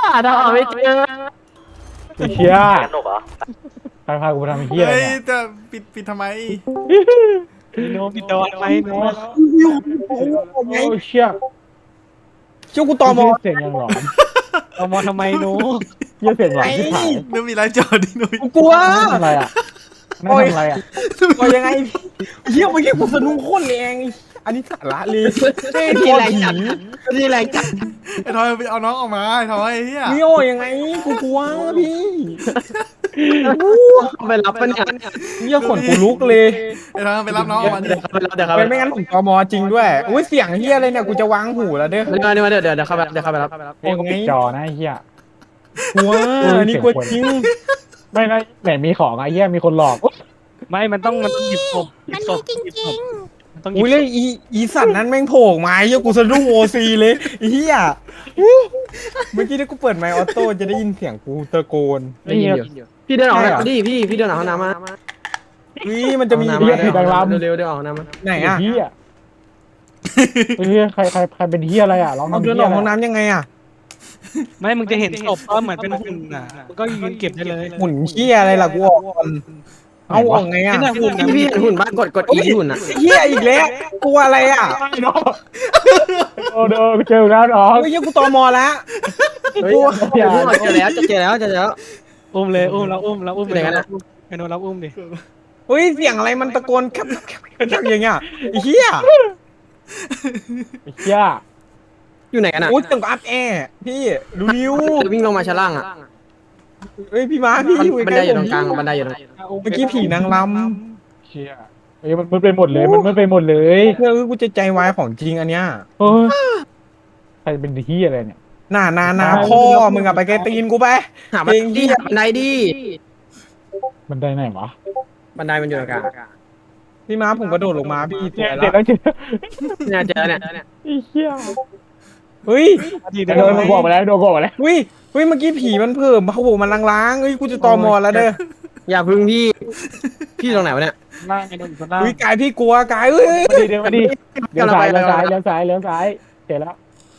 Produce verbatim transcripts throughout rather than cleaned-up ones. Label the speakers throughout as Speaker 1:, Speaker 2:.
Speaker 1: ทำเอาไม่เจอ
Speaker 2: ไอ้เชี่ย
Speaker 1: สนุกเหรอ
Speaker 2: ใครพากูไปทำไอ้เหี้ยอะไร
Speaker 3: เฮ้ย
Speaker 2: เนี่ย
Speaker 3: จะปิดปิดทำไม
Speaker 4: โนปิดดอนไหมโน
Speaker 2: โอ้เชี่ย
Speaker 5: ช่วยกูต่อมอ
Speaker 2: เสียงยังหลอน
Speaker 4: เอามาทำไมโน
Speaker 2: เหี้ยเสียงหลอนที่ถ่าย
Speaker 3: นึกมีไรจอดินุ้ย
Speaker 5: กูกลัว
Speaker 2: ทำอะไรอ่ะไม่ทำอะไรอ่ะ
Speaker 5: ต่อยังไงเฮียเมื่อกี้กูสะดุ้งโคตรแรงอันนี้สาระเลยเฮ้ย
Speaker 1: ที่
Speaker 5: ที่
Speaker 1: แร
Speaker 5: ไรง
Speaker 1: จั
Speaker 5: จั
Speaker 1: ด
Speaker 5: ด
Speaker 1: ที่แรงจัด
Speaker 3: ไอ้ทอยไปเอาน้องออกมาไอ้ทอยไอ้เฮีย
Speaker 5: มิโอยังไงกูกลัวพี่
Speaker 1: ไปรับปะเนี่ย
Speaker 5: เฮียขนกูลุกเลย
Speaker 3: ไอ้ทอยไปรับน้องออกมาดิ
Speaker 1: เดี๋ยวเขาไปรับเดี๋ยวเขาไป
Speaker 5: เป็นไม่งั้นผมต่อมอจริงด้วยอุ้ยเสียงเฮียอะไรเนี่ยกูจะวางหูแล้วเด้อ
Speaker 1: เดี๋ยวเดี๋ยวเดี๋ยวเดี๋ยวเขาไปรับเดี๋ยวเขาไปรับ
Speaker 2: เฮ้ยกูปิดจอนะไอ้เหี้ย
Speaker 5: กลัวอันนี้กลัวจริง
Speaker 2: ไม่นะไหนมีของไอ้เหี้ยมีคนหลอก
Speaker 4: ไม่มันต้องมันต้องหยิบศพหยิ
Speaker 6: มั
Speaker 4: บ
Speaker 6: น
Speaker 4: ศ
Speaker 6: มี
Speaker 4: พ
Speaker 6: จริง
Speaker 4: มันต้องหยิ
Speaker 5: อุ้
Speaker 4: บ
Speaker 5: ย
Speaker 4: ศ
Speaker 5: เลย
Speaker 4: พ
Speaker 5: อีอีสัตว์นั้นแม่งโผล่ออกมาเฮียกูสะดุ้งโอซีเลยเฮียเมื่อกี้ที่กูเปิดไมค์ออโต้จะได้ยินเสียงกูตะโกน
Speaker 2: ไอ้เหี้ย
Speaker 1: พี่เดินออกมาดิพี่พี่เดินออกห้องน้ำมา
Speaker 5: นี่มันจะมี
Speaker 1: ห้อง
Speaker 2: เหี้
Speaker 1: น้ำ
Speaker 2: ย
Speaker 1: มา
Speaker 2: ผิดดังลำ
Speaker 1: เร็วๆเดี๋ยวออกห้องน้ำมา
Speaker 5: ไหน
Speaker 2: ไอ้
Speaker 5: อ่ะ
Speaker 2: เหี้ยไอ้เหี้ยใครใครใครเป็นเหี้ยอะไรอ่ะร้อง
Speaker 5: เอา
Speaker 2: ทำ
Speaker 5: เดิน
Speaker 2: เหี้
Speaker 5: อย อก
Speaker 2: อะไร
Speaker 5: ห้องน้ำยังไงอ่ะ
Speaker 4: ไม่มึงจะเห็นศพก็เหมือนเป็นหุ่นอ่ะมันก็ยืนเก็บได้เลย
Speaker 5: หมุนเฮียอะไรล่ะกูออกก่อนเอาออกไงอ่ะ
Speaker 4: นี่นะหุ่น
Speaker 1: พี่พี่เห็นหุ่นบ้านกดกดอีหุ่นอ่ะ
Speaker 5: เฮียอีกแล้วกลัวอะไรอ่ะ
Speaker 2: ไม่น้องโอ้เด้อเจอแล้วน้อง
Speaker 5: เฮ้ยยังกูตอมอแล้ว
Speaker 1: เฮ้ยเจอแล้วเจอแล้วเจอแล้ว
Speaker 4: อุ้มเลยอุ้มแล้วอุ้มแล้วอุ้ม
Speaker 1: ไหนกันอะ
Speaker 4: ไอ้โนรับอุ้มดิ
Speaker 5: เฮ้ยเสียงอะไรมันตะโกนแคบแคบแคบแคบอย่างเงี้ยไอ้เฮีย
Speaker 2: ไอ้เหี้ย
Speaker 1: อยู่ไหนกันอ่ะ
Speaker 5: โอ้ยเสียงอัพแอร์พี่ดูนิ้ว
Speaker 1: วิ่งลงมาชั้นล่างอ่ะ
Speaker 5: เฮ้ยพี่มาพี่อยู่
Speaker 1: บัน
Speaker 5: ใก
Speaker 1: ได
Speaker 5: ล้
Speaker 1: อยู่
Speaker 5: ผ
Speaker 1: ตร
Speaker 5: ม
Speaker 1: งกลางบันไดอยู่ตรง
Speaker 5: เมื่อกี้ผีนางร
Speaker 2: เชี่ยเฮ้ยมันมันเป็นหมดเลยมันมันเป็นหมดเลย
Speaker 5: ำเฮ้ยกูจะใจวายของจริงอันเนี้ย
Speaker 2: โอ้ยใครเป็นเหี้ยอะไรเนี่ย
Speaker 5: หน้านานาพ่อมึงอะไปไกลตีนกูไป
Speaker 1: หาบันไดดิหาบันไดดิ
Speaker 2: มันได้ไหนวะ
Speaker 1: บันไดมันอยู่ตรงกลาง
Speaker 5: พี่มาผมกระโดดลงมาพี่ส
Speaker 2: เนี่
Speaker 5: วย ย
Speaker 2: เดี๋ยว
Speaker 5: ละ
Speaker 2: แล้วเจอ
Speaker 1: เนี่ยเจอเนี่ย
Speaker 2: ไอ้เหี้ย
Speaker 5: เฮ้ย
Speaker 4: ดี
Speaker 2: โดนบอกมาแล้วโดนบอกมาแล้ว
Speaker 5: เฮ้ยเฮ้ยเมื่อกี้ผีมันเพิ่มเขาบอกมันล้างๆเฮ้ยกูจะตอมอแล้วเด้อ
Speaker 1: อย่าพึ่งพี่พี่ตรงไหนวะเนี่ย
Speaker 4: ล่างไอ้โนอยู่ข้างล่าง
Speaker 5: เฮ้ยกายพี่กลัวกายเฮ้ย
Speaker 2: มาดิเดี๋ยวมาดิเลี้ยวซ้ายเลี้ยวซ้ายเลี้ยวซ้ายเลี้ยวซ้ายเจอแล้ว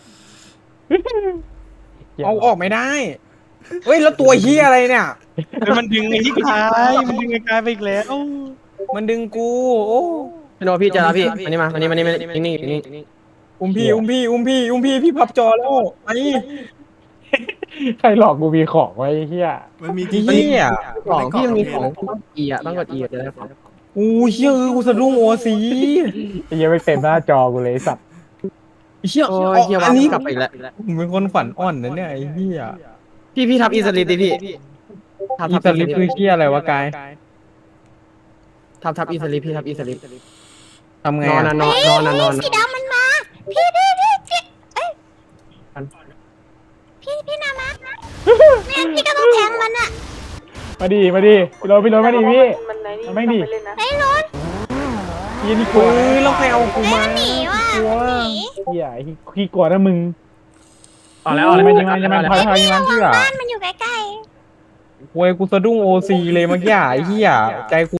Speaker 5: เอาออกไม่ได้เฮ้ยแล้วตัวเฮียอะไรเนี่ย
Speaker 4: มันดึงไอ้ที่กายมันดึงไอ้กายไปอีกแล้ว
Speaker 5: มันดึงกูโอ้
Speaker 1: พี่โนพี่เจอแล้วพี่อันนี้มาอันนี้มานี่มานิ่งนิ่งนิ่ง
Speaker 5: อุ้มพี่อุ้มพี่อุ้มพี่อุ้มพี่พี่พับจอแล้วไอ้
Speaker 2: ใครหลอกกูมีของไว้เฮีย
Speaker 3: มันมี
Speaker 5: เฮีย
Speaker 1: ของพี่มันมีของต้องอีอ่ะต้องกดอีจะได้ของ
Speaker 5: อู้เฮียเออกูสะดุ้งโอซี
Speaker 2: ไอ้เหี้ยังไม่เต็มหน้าจอกูเลยไอ้สัตว์
Speaker 5: เฮีย
Speaker 1: โอ้ยเฮีย
Speaker 5: อั
Speaker 1: ว่าน
Speaker 5: นี้
Speaker 1: กลับไปอีกแล้ว
Speaker 5: ผมเป็นคนขวัญอ่อนนะเนี่ยไอ้เฮีย
Speaker 1: พี่พี่ทับอีสลิดดิพี่ทับ
Speaker 5: อี
Speaker 1: ทับ
Speaker 5: สลิปคือเฮียอะไรวะกาย
Speaker 1: ทับทับอีสลิดพี่ทับอีสลิด
Speaker 5: ทำไง
Speaker 1: นอน
Speaker 5: อะ
Speaker 1: นะนอนนอนนะนอน
Speaker 6: ๆสีดำมันมา พี่พี่พี่พี่เอ้ยพี่พี่นามาเนี่ยพี่ก็ต้องแทงมันอะ
Speaker 2: มาดิมาดิพี่โรถพี่โรถมาดิพี่
Speaker 7: มันไหนนี่
Speaker 2: มันไม่ดี
Speaker 7: ไปเล่นนะ
Speaker 6: ไอ้รถ
Speaker 2: เฮียนี่กลัว
Speaker 5: เฮ้ยแล้วใครเอากูมา
Speaker 6: หนีว่ะ
Speaker 5: กลัว
Speaker 6: หนี
Speaker 2: เฮียไอ้ขี้กลัวนะมึง
Speaker 1: ออกแล้ว
Speaker 2: อ
Speaker 1: อ
Speaker 2: อ
Speaker 1: อก ก
Speaker 2: แล้
Speaker 1: แล้ว ว
Speaker 2: มันยังมันยังมันพอ
Speaker 6: ไอ้
Speaker 2: พอ
Speaker 6: พี่
Speaker 2: ยัง
Speaker 6: ระ
Speaker 2: มัน
Speaker 6: วั
Speaker 2: เชื่
Speaker 6: ง
Speaker 2: อ
Speaker 6: บ้านมันอยู่ใกล้ๆ
Speaker 5: โวยกูสะดุ้งโอซีเลยเมื่อกี้ไอ้เฮียใจกู